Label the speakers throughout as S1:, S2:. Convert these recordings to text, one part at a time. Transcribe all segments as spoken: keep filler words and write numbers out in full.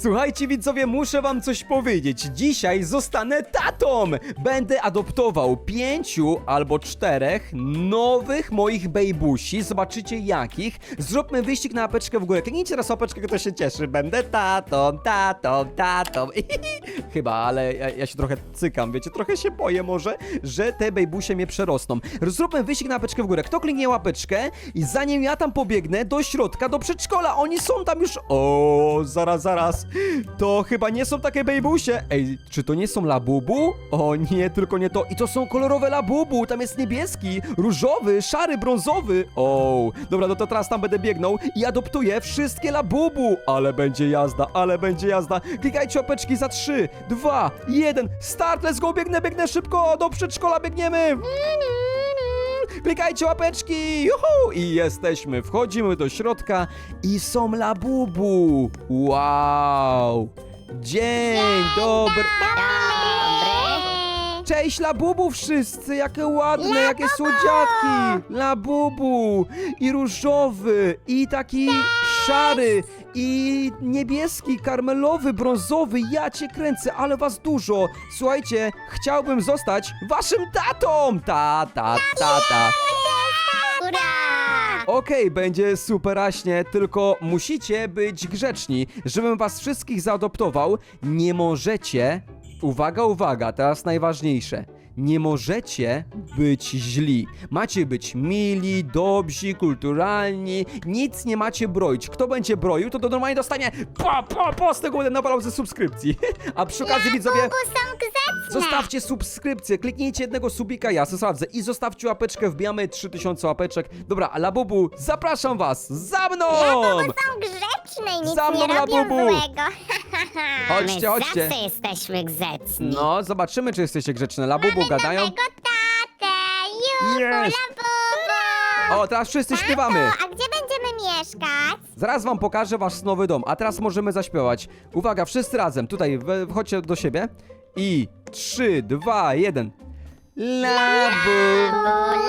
S1: Słuchajcie widzowie, muszę wam coś powiedzieć. Dzisiaj zostanę tatą. Będę adoptował pięciu albo czterech nowych moich bejbusi. Zobaczycie jakich. Zróbmy wyścig na łapeczkę w górę. Kliknijcie teraz łapeczkę, kto się cieszy. Będę tatą, tatą, tatą. Chyba, ale ja, ja się trochę cykam, wiecie, trochę się boję może, że te bejbusie mnie przerosną. Zróbmy wyścig na łapeczkę w górę. Kto kliknie łapeczkę i zanim ja tam pobiegnę do środka, do przedszkola, oni są tam już... O, zaraz, zaraz. To chyba nie są takie bejbusie. Ej, czy to nie są labubu? O nie, tylko nie to. I to są kolorowe labubu. Tam jest niebieski, różowy, szary, brązowy. O, dobra, no to teraz tam będę biegnął i adoptuję wszystkie labubu. Ale będzie jazda, ale będzie jazda. Klikajcie łapeczki za trzy, dwa, jeden. Start, let's go, biegnę, biegnę szybko. Do przedszkola biegniemy. Klikajcie łapeczki, juhu! I jesteśmy, wchodzimy do środka i są labubu. Wow! Dzień dobry!
S2: Dobry.
S1: Cześć labubu wszyscy, jakie ładne, jakie słodziatki! Labubu! I różowy, i taki szary, i niebieski, karmelowy, brązowy. Ja cię kręcę, ale was dużo. Słuchajcie, chciałbym zostać waszym tatą! Tata, tata.
S2: Ura!
S1: Okej, będzie superaśnie, tylko musicie być grzeczni. Żebym was wszystkich zaadoptował, nie możecie... Uwaga, uwaga, teraz najważniejsze. Nie możecie być źli. Macie być mili, dobrzy, kulturalni. Nic nie macie broić. Kto będzie broił, to, to normalnie dostanie po, po, po z tego będę nawalał ze subskrypcji. A przy okazji widzowie...
S2: Bubu są grzeczne.
S1: Zostawcie subskrypcję, kliknijcie jednego subika, ja se sprawdzę. I zostawcie łapeczkę, wbijamy trzy tysiące łapeczek. Dobra, a Labubu, zapraszam was, za mną!
S2: Bubu są grzeczne i nic
S1: Za mną,
S2: nie robią
S1: Labubu.
S2: złego.
S1: Chodźcie,
S3: My
S1: chodźcie.
S3: zawsze jesteśmy grzeczni.
S1: No, zobaczymy, czy jesteście grzeczne. Labubu gadają.
S2: Nowego tatę, juhu,
S1: Yes.
S2: Labubu.
S1: O, teraz wszyscy śpiewamy.
S2: A gdzie będziemy mieszkać?
S1: Zaraz wam pokażę wasz nowy dom, a teraz możemy zaśpiewać. Uwaga, wszyscy razem, tutaj, we- wchodźcie do siebie. I trzy, dwa, jeden. Labu.
S2: Labu,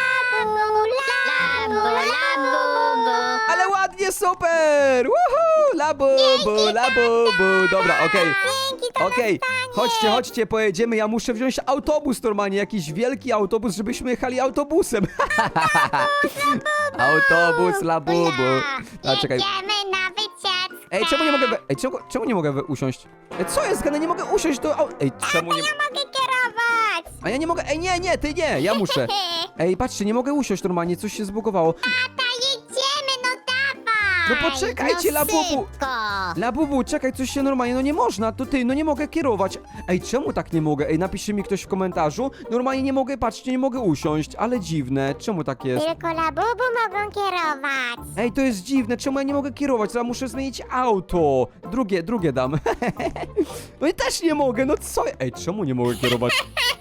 S2: labu, labu.
S1: Ale ładnie, super! Woohoo! Labubu, labubu. Dobra, okej.
S2: Dzięki, to
S1: Okej, chodźcie, chodźcie, pojedziemy. Ja muszę wziąć autobus normalnie, jakiś wielki autobus, żebyśmy jechali autobusem. Autobus, labubu. A, czekaj.
S2: Jedziemy na wycieczkę.
S1: Ej, czemu nie mogę... we- Ej, czemu, czemu nie mogę we- usiąść? Ej, co jest, Gane? Nie mogę usiąść do... au- Ej, czemu nie...
S2: Ja mogę kierować.
S1: A ja nie mogę... Ej, nie, nie, ty nie, ja muszę. Ej, patrzcie, nie mogę usiąść normalnie, coś się zbugowało.
S2: Tata, jedziemy, no dawaj.
S1: No poczekajcie,
S3: no
S1: labubu.
S3: szybko.
S1: Labubu, czekaj, coś się normalnie, no nie można, to ty, no nie mogę kierować. Ej, czemu tak nie mogę? Ej, napiszcie mi ktoś w komentarzu. Normalnie nie mogę, patrzcie, nie mogę usiąść, ale dziwne, czemu tak jest?
S2: Tylko labubu mogą kierować.
S1: Ej, to jest dziwne, czemu ja nie mogę kierować? Teraz muszę zmienić auto. Drugie, drugie dam. No i też nie mogę, no co? Ej, czemu nie mogę kierować?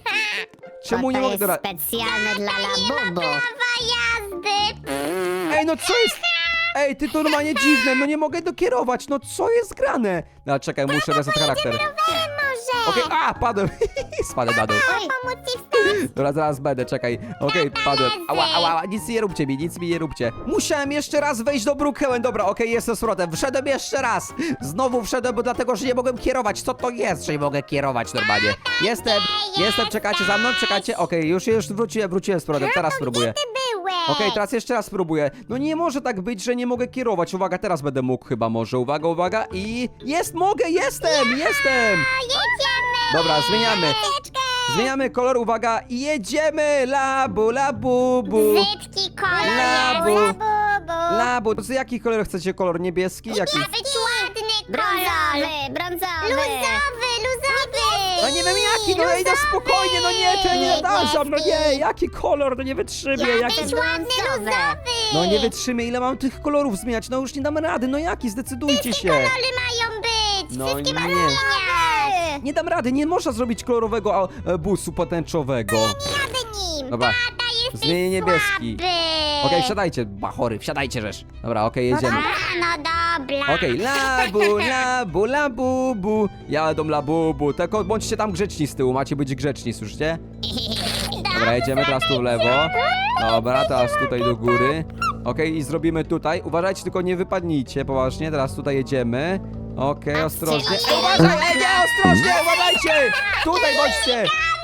S1: Czemu
S3: Bo
S1: nie
S3: to
S1: mogę
S3: jest
S1: teraz?
S3: specjalne dla labubu.
S2: Prawa jazdy.
S1: Ej, no co jest? Ej, ty to normalnie dziwne, no nie mogę dokierować, no co jest grane? No czekaj, muszę reset charakter.
S2: Rowerem może.
S1: Okej, a, padłem. Spadłem na dół.
S2: Pomóc ci wstać.
S1: Dobra, zaraz będę, czekaj. Okej, padłem. Ała, ała, ała, nic nie róbcie mi, nic mi nie róbcie. Musiałem jeszcze raz wejść do Brookhaven. Dobra, okej, jestem z powrotem. Wszedłem jeszcze raz. Znowu wszedłem, bo dlatego, że nie mogłem kierować. Co to jest, że nie mogę kierować normalnie? Jestem, jestem, czekacie za mną, czekacie. Okej, już, już wróciłem, wróciłem z powrotem. Teraz spróbuję.
S2: Ty byłeś.
S1: Okej, teraz jeszcze raz spróbuję. No nie może tak być, że nie mogę kierować. Uwaga, teraz będę mógł chyba może. Uwaga, uwaga i... Jest, mogę, jestem, jestem!
S2: Jedziemy.
S1: Dobra, zmieniamy.
S2: Wycieczkę.
S1: Zmieniamy kolor, uwaga, i jedziemy! Labu, labu, bu.
S2: Brzydki kolor.
S1: Labu.
S2: Labubu.
S1: Labu, to jaki kolor chcecie? Kolor niebieski? Jaki?
S2: Ma być ładny kolor.
S3: Brązowy, brązowy.
S2: Luzowy, luzowy.
S1: No nie wiem jaki, no ej, no spokojnie, no nie, to ja nie nadążam, no nie, jaki kolor, no nie wytrzymię,
S2: Ma
S1: jaki...
S2: być ładny,
S3: brązowy.
S2: luzowy.
S1: No nie wytrzymię, ile mam tych kolorów zmieniać, no już nie dam rady, no jaki, zdecydujcie się.
S2: Kolory mają być.
S1: No
S2: Wszystkie
S1: nie.
S2: mają zmieniać.
S1: Nie dam rady, nie można zrobić kolorowego a, e, busu potęczowego.
S2: Nie jadę nim.
S1: Dobra,
S2: Tata, jesteś
S1: zmienię niebieski.
S2: słaby.
S1: Okej, wsiadajcie, bachory, wsiadajcie rzecz. Dobra, okej, jedziemy.
S2: Dobra, no dobra.
S1: Okej, labu, labu, labubu. Jadą labubu, tylko bądźcie tam grzeczni z tyłu, macie być grzeczni, słyszycie? Dobra, jedziemy teraz tu w lewo. Dobra, teraz tutaj do góry. Okej, i zrobimy tutaj. Uważajcie, tylko nie wypadnijcie, poważnie. Teraz tutaj jedziemy. Okej, ostrożnie.
S3: Patrzcie,
S1: Ej, uważaj, ej, nie, ostrożnie, uważajcie! Tutaj chodźcie!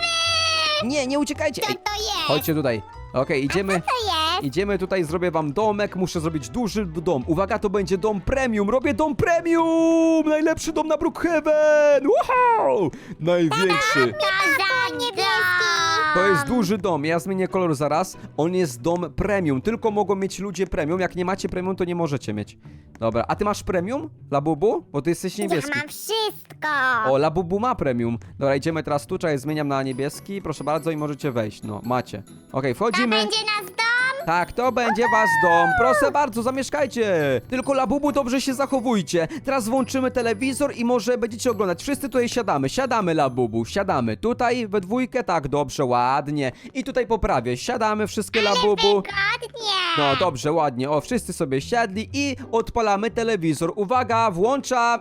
S1: Nie, nie uciekajcie!
S2: Co
S1: Ej,
S2: to jest?
S1: chodźcie tutaj. Okej, idziemy.
S2: To jest?
S1: Idziemy tutaj, zrobię wam domek, muszę zrobić duży dom. Uwaga, to będzie dom premium, robię dom premium! Najlepszy dom na Brookhaven! Wow! Największy.
S2: To niebieski.
S1: To jest duży dom, ja zmienię kolor zaraz. On jest dom premium, tylko mogą mieć ludzie premium. Jak nie macie premium, to nie możecie mieć. Dobra, a ty masz premium, Labubu? Bo ty jesteś niebieski.
S2: Ja mam wszystko.
S1: O, Labubu ma premium. Dobra, idziemy teraz tu, czekaj, zmieniam na niebieski. Proszę bardzo i możecie wejść, no, macie. Okej,
S2: To
S1: wchodzimy.
S2: będzie nasz dom?
S1: Tak, to będzie wasz dom. Proszę bardzo, zamieszkajcie. Tylko Labubu, dobrze się zachowujcie. Teraz włączymy telewizor i może będziecie oglądać. Wszyscy tutaj siadamy. Siadamy, Labubu, siadamy. Tutaj we dwójkę, tak, dobrze, ładnie. I tutaj po prawie. Siadamy wszystkie, Labubu.
S2: Wygodnie.
S1: No, dobrze, ładnie. O, wszyscy sobie siadli i odpalamy telewizor. Uwaga, włączam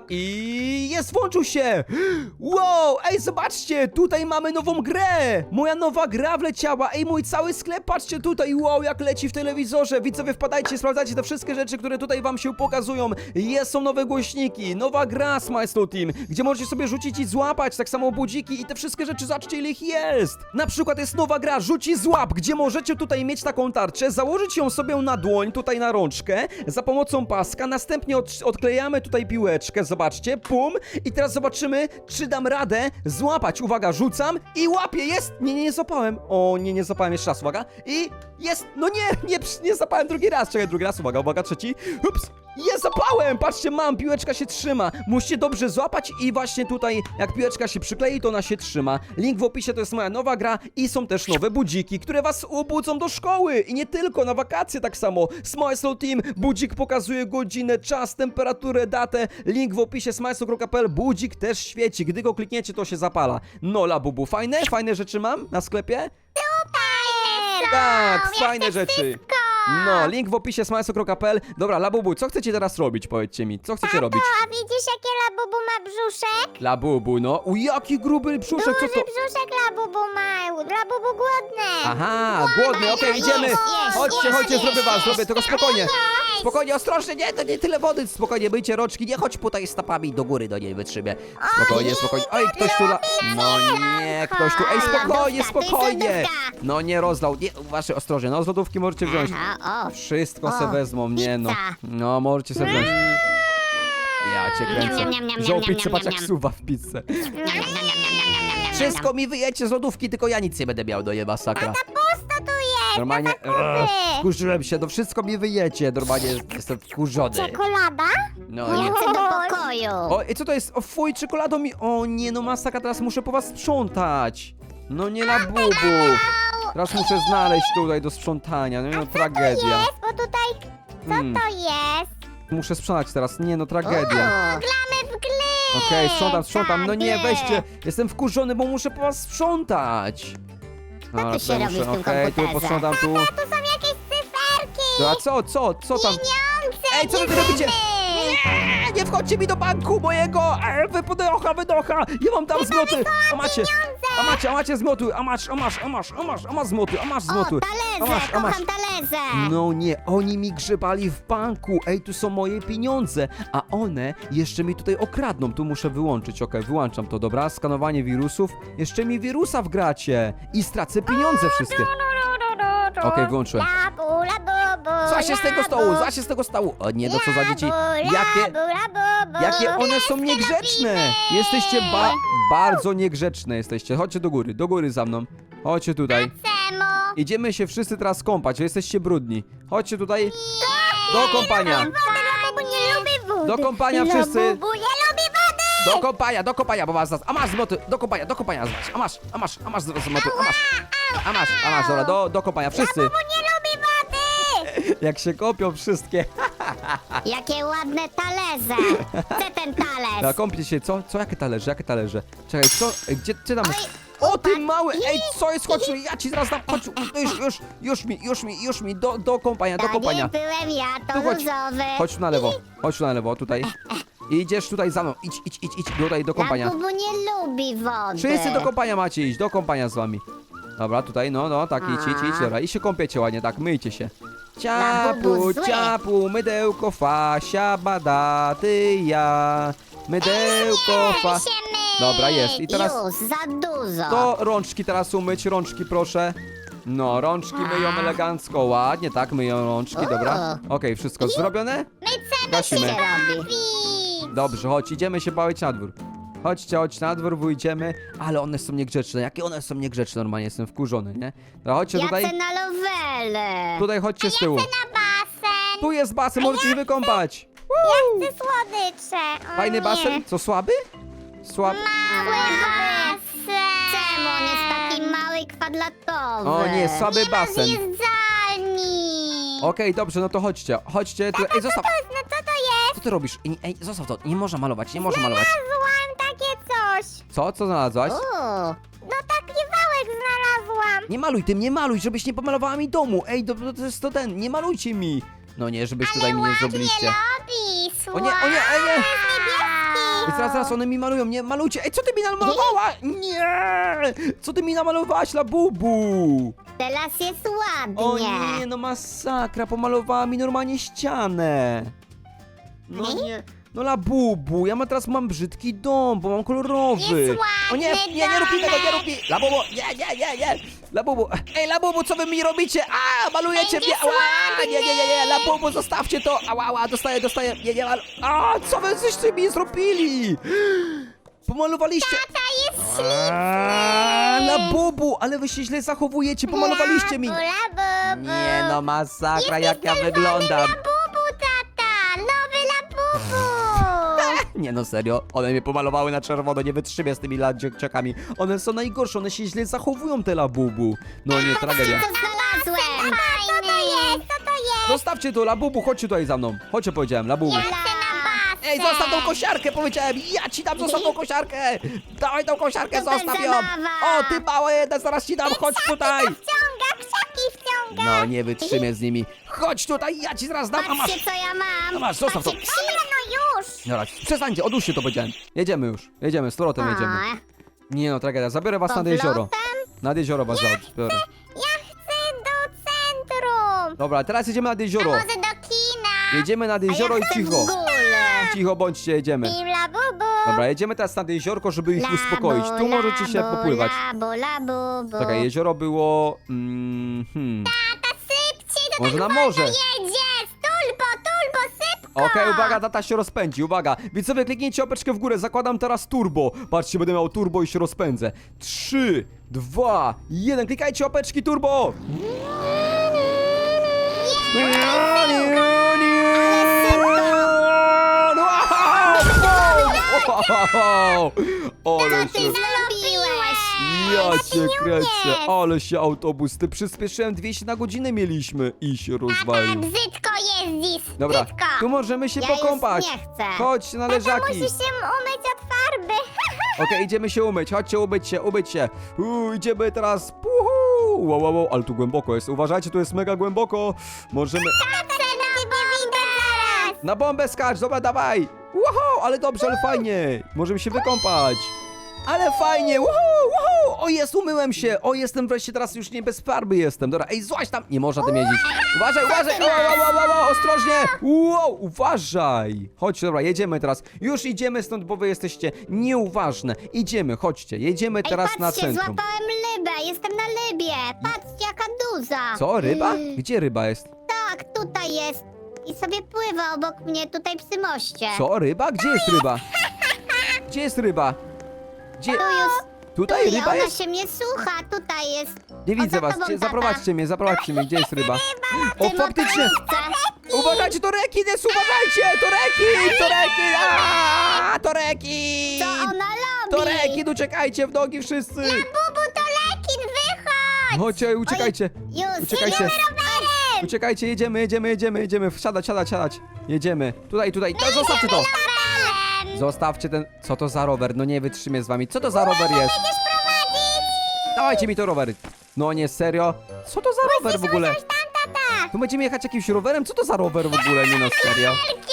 S1: i jest, włączył się. Wow, ej, zobaczcie, tutaj mamy nową grę. Moja nowa gra wleciała. Ej, mój cały sklep, patrzcie tutaj. Wow, jak leci w telewizorze. Widzowie, wpadajcie, sprawdzajcie te wszystkie rzeczy, które tutaj wam się pokazują. Jest, są nowe głośniki, nowa gra Smile Slow Team, gdzie możecie sobie rzucić i złapać, tak samo budziki i te wszystkie rzeczy, zobaczcie, ile ich jest. Na przykład jest nowa gra Rzuć i Złap, gdzie możecie tutaj mieć taką tarczę, założyć ją sobie na dłoń, tutaj na rączkę, za pomocą paska, następnie od, odklejamy tutaj piłeczkę, zobaczcie, pum, i teraz zobaczymy, czy dam radę złapać. Uwaga, rzucam i łapię, jest! Nie, nie, nie złapałem. O, nie, nie złapałem, jeszcze raz, uwaga. I jest, no nie, nie, nie złapałem drugi raz, czekaj, drugi raz, uwaga, uwaga, trzeci, ups. Jest, zapałem! Patrzcie, mam, piłeczka się trzyma. Musicie dobrze złapać i właśnie tutaj, jak piłeczka się przyklei, to ona się trzyma. Link w opisie, to jest moja nowa gra i są też nowe budziki, które was obudzą do szkoły. I nie tylko, na wakacje tak samo. Smile Slow Team, budzik pokazuje godzinę, czas, temperaturę, datę. Link w opisie smileslow kropka p l, budzik też świeci. Gdy go klikniecie, to się zapala. No, Labubu, fajne? Fajne rzeczy mam na sklepie?
S2: Fajne są.
S1: Tak,
S2: Ja
S1: fajne
S2: chcę
S1: rzeczy.
S2: wszystko.
S1: No, link w opisie smileslow kropka p l. Dobra, Labubu, co chcecie teraz robić? Powiedzcie mi, co chcecie robić?
S2: A widzisz, jakie Labubu ma brzuszek?
S1: Labubu, no. U, jaki gruby brzuszek, co
S2: Duży
S1: to?
S2: brzuszek Labubu ma. Labubu głodny.
S1: Aha, głodny, okej, idziemy.
S2: jest,
S1: Chodźcie,
S2: jest,
S1: chodźcie,
S2: jest,
S1: zrobię was,
S2: jest,
S1: zrobię, tylko
S2: jest.
S1: spokojnie. Spokojnie, ostrożnie, nie, to nie tyle wody. Spokojnie, myjcie rączki, nie chodź tutaj stopami do góry, do niej wytrzymie. Spokojnie, spokojnie. Oj, ktoś tu la... No nie, ktoś tu... Ej, spokojnie,
S3: Lodówka, to jest
S1: spokojnie.
S3: lodówka.
S1: No nie rozlał, nie, uważaj, ostrożnie, no z lodówki możecie wziąć.
S3: Aha, o.
S1: Wszystko
S3: O,
S1: se wezmą, nie no.
S3: pizza.
S1: No, możecie sobie wziąć. Ja cię kręcę.
S3: Niam, niam, niam,
S1: Wziął
S3: niam,
S1: pizzę,
S3: niam,
S1: patrz
S3: niam,
S1: jak
S3: niam.
S1: suwa w pizzę.
S3: Niam, niam, niam, niam, niam, niam, niam, niam.
S1: Wszystko mi wyjecie z lodówki, tylko ja nic nie będę miał, do je masakra.
S2: Pusto tu jest.
S1: Normalnie,
S2: zakupy.
S1: ech, wkurzyłem się, to wszystko mi wyjecie, normalnie jestem wkurzony.
S2: Czekolada?
S1: No nie.
S3: Ja chcę do pokoju.
S1: O, i co to jest? O, fuj, czekoladą mi... O nie, no masakra, teraz muszę po was sprzątać. No nie na bubu. Teraz muszę znaleźć tutaj do sprzątania, no, no tragedia.
S2: Jest, bo tutaj... Co
S1: Hmm.
S2: to jest?
S1: Muszę sprzątać teraz, nie no, tragedia.
S2: Glamy w gly.
S1: Okej, sprzątam, sprzątam, no nie,
S2: Tak,
S1: weźcie. Jestem wkurzony, bo muszę po was sprzątać. Dobra,
S3: tu się
S1: tutaj
S3: robi w tym
S1: okej, tu
S3: komputerze?
S1: posprzątam, tu.
S2: Tu są jakieś cyferki.
S1: A co, co, co tam?
S2: Pieniądze.
S1: Ej, co wy robicie? Nie, nie wchodźcie mi do banku mojego! E, wy wydocha, wydocha! Ja wam dam zmoty! A macie, a macie, a macie zmoty! A masz, a masz, a masz, a masz, a masz zmoty, a masz
S3: O,
S1: zmoty! A
S3: talerze,
S1: masz, a masz.
S3: kocham talerze.
S1: No nie, oni mi grzebali w banku. Ej, tu są moje pieniądze, a one jeszcze mi tutaj okradną. Tu muszę wyłączyć, okej, wyłączam to, dobra? Skanowanie wirusów. Jeszcze mi wirusa wgracie i stracę pieniądze wszystkie. Okej, wyłączyłem.
S2: Labu, labu,
S1: Co się z tego stołu? Co się z tego stołu? O nie, no co za dzieci? Jakie... Jakie one są niegrzeczne! Jesteście ba bardzo niegrzeczne jesteście. Chodźcie do góry, do góry za mną. Chodźcie tutaj.
S2: Semo.
S1: Idziemy się wszyscy teraz kąpać, jesteście brudni. Chodźcie tutaj do kąpania.
S2: Labu nie lubi wody.
S1: Do kąpania wszyscy.
S2: Labu nie lubi wody.
S1: Do kąpania, do kąpania, bo was zaraz. A masz zmoty, do kąpania, do kąpania zaraz. A masz, a masz, a masz zmoty, a masz. A masz, a masz, dobra, do, do kąpania, wszyscy.
S2: Labu nie lubi wody.
S1: Jak się kopią wszystkie.
S3: Jakie ładne talerze. Chcę ten talerz.
S1: No, kąpcie się, co? Co, jakie talerze, jakie talerze? Czekaj, co? Ej, Gdzie, gdzie tam? O, ty mały! Ej, co jest? Chodź, ja ci zaraz dam, chodź, już, już, już mi, już mi, już mi, do, do kąpania, do
S3: To
S1: kąpania.
S3: nie byłem ja, to
S1: Tu chodź.
S3: różowy.
S1: Chodź tu na lewo, chodź tu na lewo, tutaj. Idziesz tutaj za mną, idź, idź, idź, idź, tutaj do kąpania.
S3: Labubu nie lubi wody.
S1: Wszyscy do kąpania macie iść, do kąpania z wami. Dobra, tutaj, no, no, tak, idź, idź, idź, dobra, i się kąpiecie ładnie, tak, myjcie się. Ciapu,
S3: Labubu zły.
S1: ciapu, mydełko, fasia, bada, ty, ja. mydełko, fa...
S3: się myć.
S1: Dobra, jest. I teraz
S3: Już, za dużo.
S1: to rączki teraz umyć, rączki proszę. No, rączki myją elegancko, ładnie, tak, myją rączki, dobra. Okej, wszystko zrobione?
S3: My
S1: Gasimy.
S3: się robi.
S2: Bawić.
S1: Dobrze, chodź, idziemy się bawić na dwór. Chodźcie, chodź na dwór, wyjdziemy. Ale one są niegrzeczne, jakie one są niegrzeczne, normalnie jestem wkurzony, nie? Dobra, chodźcie
S3: Ja
S1: tutaj,
S3: chcę na lowele.
S1: tutaj chodźcie z tyłu.
S2: Na basen.
S1: Tu jest basen, możecie się wykąpać.
S2: Chcę słodycze. O
S1: Fajny
S2: nie.
S1: basen? Co, słaby? Słab...
S2: Mały basen.
S3: Czemu on jest taki mały i kwadratowy?
S1: O nie, słaby basen.
S2: Zjeżdżalni.
S1: Okej, dobrze, no to chodźcie, chodźcie. Tu... Ej, zostaw!
S2: No co to jest?
S1: Co ty robisz? Ej, ej, zostaw to, nie można malować, nie można malować.
S2: Znalazłam takie coś.
S1: Co? Co znalazłaś?
S3: O,
S2: No taki wałek znalazłam.
S1: Nie maluj tym, nie maluj, żebyś nie pomalowała mi domu. Ej, to, to jest to ten, nie malujcie mi. No nie, żebyś tutaj mi nie zrobiliście.
S2: Robi,
S1: O nie, o nie, ej, nie!
S2: niebieski.
S1: Ej, zaraz, zaraz, one mi malują, nie malujcie. Ej, co ty mi namalowała? Nie! Co ty mi namalowałaś, labubu?
S3: teraz jest ładnie.
S1: O nie, no masakra, pomalowała mi normalnie ścianę. No nie, no labubu, ja ma, teraz mam brzydki dom, bo mam kolorowy.
S2: Jest
S1: O nie,
S2: ładny
S1: nie, nie rób mi tego, nie
S2: domek.
S1: rób mi. Labubu, nie, nie, nie, nie. Labubu, ej labubu, co wy mi robicie? A, malujecie
S2: Będzie
S1: mnie, ała, nie, nie, nie, nie, labubu, zostawcie to. Ała, ała, dostaję, dostaję, nie, nie, mal... A, co wy żeście mi zrobili? Pomalowaliście...
S2: Tata jest
S1: A, labubu, ale wy się źle zachowujecie, pomalowaliście mi.
S2: Labu, labu.
S1: Nie no, masakra,
S2: Jesteś
S1: jak ja
S2: czerwony
S1: wyglądam.
S2: Labubu, tata. Nowy labubu.
S1: Nie no, serio, one mnie pomalowały na czerwono, nie wytrzymię z tymi la- dzieciakami. One są najgorsze, one się źle zachowują, te labubu. No nie, tragedia.
S3: Co znalazłem?
S2: Co to jest? Co to jest?
S1: Zostawcie to, labubu, chodźcie tutaj za mną. Chodźcie, powiedziałem, labubu.
S2: Ja chcę na basen.
S1: Ej, zostaw tą kosiarkę, powiedziałem, ja ci dam, zostaw tą kosiarkę. Dawaj tą kosiarkę,
S3: To
S1: zostaw ją.
S3: zabawa.
S1: O, ty mała jedna, zaraz ci dam, chodź tutaj.
S2: Wciąga, krzaki wciąga.
S1: No, nie wytrzymię z nimi. Chodź tutaj, ja ci zaraz dam, a masz.
S3: Patrzcie, co ja mam.
S1: A masz, zostaw to.
S2: Dobra, no już.
S1: Dobra, przestańcie, odłóżcie to, powiedziałem. Jedziemy już, jedziemy, z powrotem jedziemy.
S3: A,
S1: Nie no, tragedia, zabiorę was nad jezioro.
S3: powrotem?
S1: Nad jezioro was zabiorę.
S2: Ja chcę do centrum.
S1: Dobra, teraz jedziemy nad jezioro.
S2: Może do kina.
S1: Jedziemy nad jezioro i cicho.
S3: W ogóle.
S1: Cicho bądźcie, jedziemy.
S2: Team labubu.
S1: Dobra, jedziemy teraz nad jeziorko, żeby ich
S3: Labu,
S1: uspokoić. Tu możecie się
S3: labu,
S1: popływać.
S3: Labu, labu, bu.
S1: Czekaj, jezioro było... Mm, hmm.
S2: Tata, sypcie, to
S1: Może
S2: tak
S1: na morze.
S2: wolno jedzie. Tulbo, tulbo, sypko.
S1: Okej, uwaga, tata się rozpędzi, uwaga. Więc sobie kliknijcie opeczkę w górę, zakładam teraz turbo. Patrzcie, będę miał turbo i się rozpędzę. Trzy, dwa, jeden, klikajcie opeczki turbo. Nie, nie, nie. Wow! Ale
S3: Ty
S1: się...
S3: zrobiłeś.
S1: Ja cię kręcę, ale się autobus, ty przyspieszyłem dwieście na godzinę mieliśmy i się
S2: Tata,
S1: rozwalił.
S2: brzydko jeździsz.
S1: Dobra,
S2: Brzydko.
S1: tu możemy się
S3: Ja
S1: pokąpać.
S3: już nie chcę.
S1: Chodź na
S2: Tata,
S1: leżaki.
S2: musisz się umyć od farby.
S1: Okej, idziemy się umyć, chodźcie umyć się, umyć się. Uuu, idziemy teraz. Puhu. Wow, wow, wow, ale tu głęboko jest. Uważajcie, tu jest mega głęboko. Możemy...
S2: Tata, ciebie widać zaraz.
S1: Na bombę skacz, dobra, dawaj. Wow, ale dobrze, ale fajnie. Możemy się wykąpać. Ale fajnie, wow, wow. O, jest, umyłem się. O, jestem wreszcie teraz już nie bez farby jestem. Dobra, ej, złaź tam. Nie można tym jeździć. Uważaj, uważaj. Wow, wow, wow, wow, wow, ostrożnie. Wow, uważaj. Chodźcie, dobra, jedziemy teraz. Już idziemy stąd, bo wy jesteście nieuważne. Idziemy, chodźcie. Jedziemy
S3: Ej,
S1: teraz na
S3: patrzcie,
S1: centrum.
S3: złapałem rybę, jestem na rybie. Patrzcie, jaka duża.
S1: Co, ryba? Gdzie ryba jest?
S3: Tak, tutaj jest. I sobie pływa obok mnie tutaj przy moście.
S1: Co, ryba? Gdzie jest ryba? Gdzie jest ryba? Gdzie?
S3: Tu już.
S1: Tutaj
S3: tu,
S1: ryba
S3: ona
S1: jest?
S3: się mnie słucha, tutaj jest.
S1: Nie
S3: O,
S1: widzę
S3: za
S1: was.
S3: tobą,
S1: Gdzie-
S3: tata.
S1: Zaprowadźcie mnie, zaprowadźcie mnie. Gdzie jest ryba? O,
S3: Ty
S1: faktycznie!
S3: motorówce.
S1: Uważajcie, to rekin jest, uważajcie! To rekin, to rekin! Aaa, to rekin!
S3: Co ona robi?
S1: To rekin, uciekajcie w nogi wszyscy!
S2: Bubu, to lekin, wychodź.
S1: Chodźcie, uciekajcie!
S3: Już,
S1: Uciekajcie!
S2: Rowerem.
S1: Uciekajcie, jedziemy, jedziemy, jedziemy, jedziemy. Wsiadać, siadać, siadać. Jedziemy. Tutaj, tutaj. To, zostawcie to!
S2: Rowerem.
S1: Zostawcie ten... Co to za rower? No nie wytrzymię z wami. Co to za rower jest?
S2: Będziesz prowadzić.
S1: Dawajcie mi to rower. No nie, serio? Co to za rower w ogóle?
S2: Tam, tata.
S1: Tu będziemy jechać jakimś rowerem? Co to za rower w ogóle? Nie no, serio.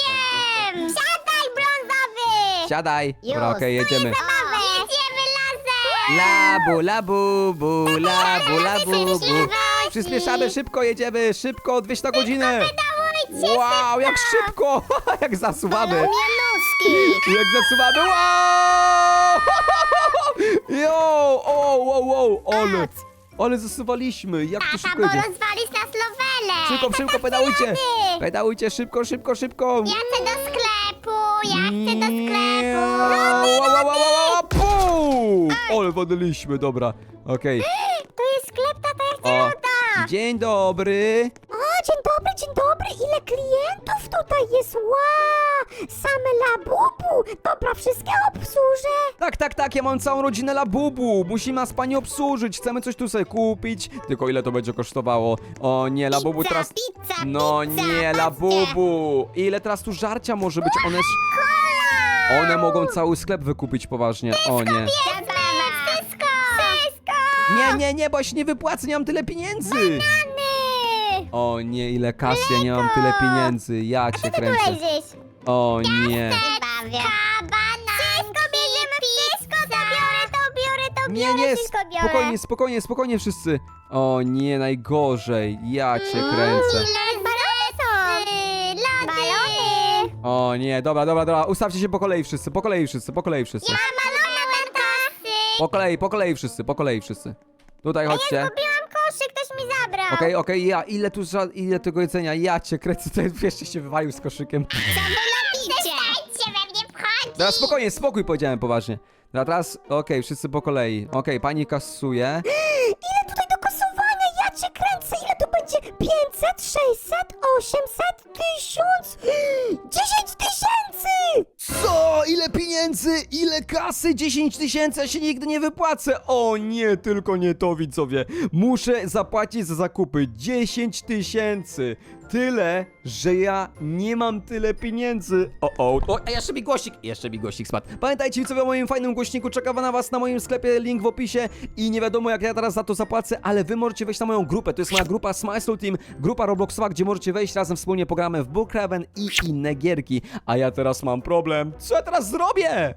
S2: Kiem. Siadaj, brązowy.
S1: Siadaj. Dobra,
S3: Już.
S1: okej, jedziemy.
S2: Zabawę. Jedziemy lasem.
S1: Labu, labu, bu, labu, labu, bu.
S2: Przyspieszaj.
S1: Przyspieszamy, szybko jedziemy, szybko, dwieście na godzinę.
S2: Dawajcie.
S1: Wow, jak szybko, jak zasuwamy.
S3: Mnie nóżka
S1: Jak zasuwamy, wow! Jo, o, wow, wow, ale, ale zasuwaliśmy, jak to
S2: Tata,
S1: szybko
S2: bo
S1: idzie.
S2: rozwalisz nas lowele.
S1: Szybko, szybko, pedałujcie, pedałujcie, szybko, szybko, szybko.
S2: Ja chcę do sklepu, ja chcę do sklepu.
S1: Wow, wow, wow, wow, wow, pum! Ale wodiliśmy, dobra, okej.
S2: Tu jest sklep, tata, ja chcę
S1: O,
S2: loda.
S1: dzień dobry.
S4: O, dzień dobry, dzień dobry. Ile klientów tutaj jest? Wow, same labubu. Dobra, wszystkie obsłużę.
S1: Tak, tak, tak, ja mam całą rodzinę Labubu. Musi nas pani obsłużyć. Chcemy coś tu sobie kupić. Tylko ile to będzie kosztowało? O nie, Labubu
S3: Pizza,
S1: teraz...
S3: pizza,
S1: No
S3: pizza,
S1: nie,
S3: patrzcie.
S1: Labubu. Ile teraz tu żarcia może być? One... One mogą cały sklep wykupić poważnie. O nie.
S2: Zabawa. Wszystko. Wszystko.
S1: Nie, nie, nie, bo ja się nie wypłacę, nie mam tyle pieniędzy.
S2: Ny.
S1: O nie, ile kasy, ja nie mam tyle pieniędzy. Ja cię
S2: Ty tu
S1: kręcę.
S2: leżysz.
S1: O nie.
S3: Bawię.
S2: Kabana. Wszystko bierzemy, wszystko. To biorę, to biorę, to
S1: Nie,
S2: biorę,
S1: nie,
S2: wszystko biorę.
S1: spokojnie, spokojnie, spokojnie wszyscy. O nie, najgorzej. Ja cię kręcę.
S2: Ile balony są? Lody. Balony.
S1: O nie, dobra, dobra, dobra, ustawcie się po kolei wszyscy, po kolei wszyscy, po kolei wszyscy.
S2: Ja balona mam kasy.
S1: Po kolei, po kolei wszyscy, po kolei wszyscy. Tutaj chodźcie.
S2: Zgubiłam koszyk, ktoś mi zabrał.
S1: Okej, okej, ja, ile tu, ża- ile tego jedzenia, ja cię kręcę, to jeszcze się wywalił z koszykiem.
S2: Przestańcie we mnie wchodzić.
S1: Teraz spokojnie, spokój powiedziałem poważnie. Dobra, teraz, okej, wszyscy po kolei. Okej, pani kasuje.
S4: Ile tutaj do kasowania? Ja cię kręcę. Ile to będzie? pięćset, sześćset, osiemset, tysiąc, dziesięć tysięcy!
S1: Co? Ile pieniędzy? Ile kasy? dziesięć tysięcy, ja się nigdy nie wypłacę. O nie, tylko nie to, widzowie. Muszę zapłacić za zakupy dziesięć tysięcy. Tyle, że ja nie mam tyle pieniędzy. O, o, o, a jeszcze mi głośnik, jeszcze mi głośnik spadł. Pamiętajcie, widzowie, o moim fajnym głośniku czeka na was na moim sklepie, link w opisie i nie wiadomo jak ja teraz za to zapłacę, ale wy możecie wejść na moją grupę. To jest moja grupa Smile Soul Team, grupa Robloxowa, gdzie możecie wejść razem wspólnie pogramy w Brookhaven i inne gierki. A ja teraz mam problem. Co ja teraz zrobię?